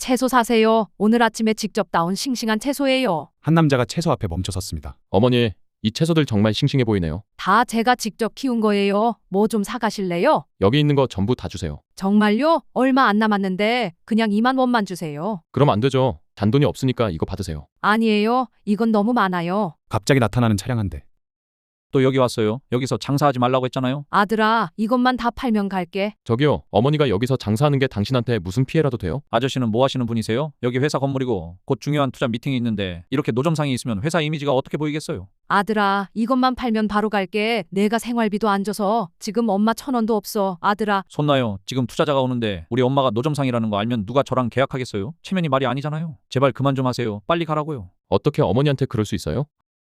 채소 사세요. 오늘 아침에 직접 따온 싱싱한 채소예요. 한 남자가 채소 앞에 멈춰 섰습니다. 어머니, 이 채소들 정말 싱싱해 보이네요. 다 제가 직접 키운 거예요. 뭐 좀 사가실래요? 여기 있는 거 전부 다 주세요. 정말요? 얼마 안 남았는데 그냥 2만 원만 주세요. 그럼 안 되죠. 잔돈이 없으니까 이거 받으세요. 아니에요. 이건 너무 많아요. 갑자기 나타나는 차량 한 대. 또 여기 왔어요. 여기서 장사하지 말라고 했잖아요. 아들아, 이것만 다 팔면 갈게. 저기요, 어머니가 여기서 장사하는 게 당신한테 무슨 피해라도 돼요? 아저씨는 뭐 하시는 분이세요? 여기 회사 건물이고 곧 중요한 투자 미팅이 있는데 이렇게 노점상이 있으면 회사 이미지가 어떻게 보이겠어요? 아들아, 이것만 팔면 바로 갈게. 내가 생활비도 안 줘서 지금 엄마 1,000원도 없어. 아들아. 손 놔요. 지금 투자자가 오는데 우리 엄마가 노점상이라는 거 알면 누가 저랑 계약하겠어요? 체면이 말이 아니잖아요. 제발 그만 좀 하세요. 빨리 가라고요. 어떻게 어머니한테 그럴 수 있어요?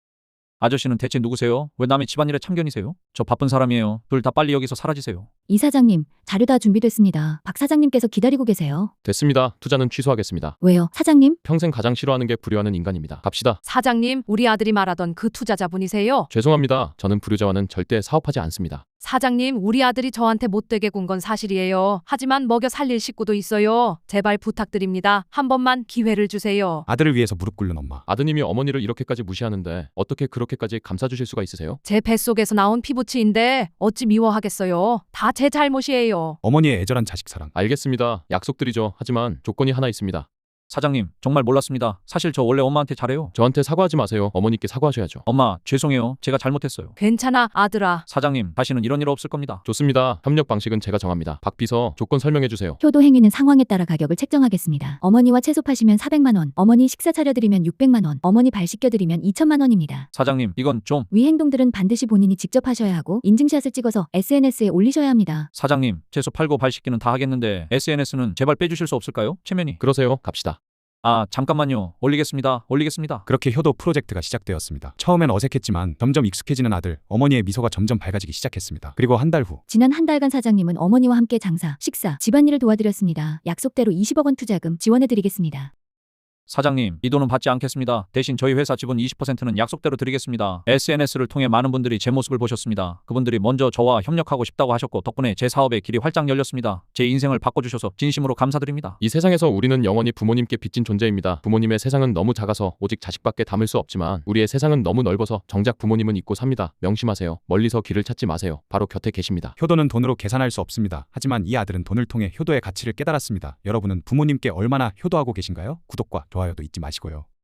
아저씨는 대체 누구세요? 왜 남의 집안일에 참견이세요? 저 바쁜 사람이에요. 둘 다 빨리 여기서 사라지세요. 이 사장님, 자료 다 준비됐습니다. 박 사장님께서 기다리고 계세요. 됐습니다. 투자는 취소하겠습니다. 왜요? 사장님? 평생 가장 싫어하는 게 불효하는 인간입니다. 갑시다. 사장님, 우리 아들이 말하던 그 투자자분이세요? 죄송합니다. 저는 불효자와는 절대 사업하지 않습니다. 사장님, 우리 아들이 저한테 못되게 군 건 사실이에요. 하지만 먹여 살릴 식구도 있어요. 제발 부탁드립니다. 한 번만 기회를 주세요. 아들을 위해서 무릎 꿇는 엄마. 아드님이 어머니를 이렇게까지 무시하는데 어떻게 그렇게까지 감싸주실 수가 있으세요? 제 뱃속에서 나온 피부치인데 어찌 미워하겠어요. 다 제 잘못이에요. 어머니의 애절한 자식 사랑. 알겠습니다. 약속드리죠. 하지만 조건이 하나 있습니다. 사장님, 정말 몰랐습니다. 사실 저 원래 엄마한테 잘해요. 저한테 사과하지 마세요. 어머니께 사과하셔야죠. 엄마, 죄송해요. 제가 잘못했어요. 괜찮아, 아들아. 사장님, 다시는 이런 일 없을 겁니다. 좋습니다. 협력 방식은 제가 정합니다. 박 비서, 조건 설명해 주세요. 효도 행위는 상황에 따라 가격을 책정하겠습니다. 어머니와 채소 파시면 400만 원, 어머니 식사 차려드리면 600만 원, 어머니 발 씻겨드리면 2천만 원입니다. 사장님, 이건 좀... 위 행동들은 반드시 본인이 직접 하셔야 하고 인증샷을 찍어서 SNS에 올리셔야 합니다. 사장님, 채소 팔고 발 씻기는 다 하겠는데 SNS는 제발 빼주실 수 없을까요? 체면이. 그러세요. 갑시다. 아, 잠깐만요. 올리겠습니다. 그렇게 효도 프로젝트가 시작되었습니다. 처음엔 어색했지만 점점 익숙해지는 아들, 어머니의 미소가 점점 밝아지기 시작했습니다. 그리고 한 달 후. 지난 한 달간 사장님은 어머니와 함께 장사, 식사, 집안일을 도와드렸습니다. 약속대로 20억 원 투자금 지원해드리겠습니다. 사장님, 이 돈은 받지 않겠습니다. 대신 저희 회사 지분 20%는 약속대로 드리겠습니다. SNS를 통해 많은 분들이 제 모습을 보셨습니다. 그분들이 먼저 저와 협력하고 싶다고 하셨고 덕분에 제 사업의 길이 활짝 열렸습니다. 제 인생을 바꿔주셔서 진심으로 감사드립니다. 이 세상에서 우리는 영원히 부모님께 빚진 존재입니다. 부모님의 세상은 너무 작아서 오직 자식밖에 담을 수 없지만 우리의 세상은 너무 넓어서 정작 부모님은 잊고 삽니다. 명심하세요. 멀리서 길을 찾지 마세요. 바로 곁에 계십니다. 효도는 돈으로 계산할 수 없습니다. 하지만 이 아들은 돈을 통해 효도의 가치를 깨달았습니다. 여러분은 부모님께 얼마나 효도하고 계신가요? 구독과 좋아요도 잊지 마시고요.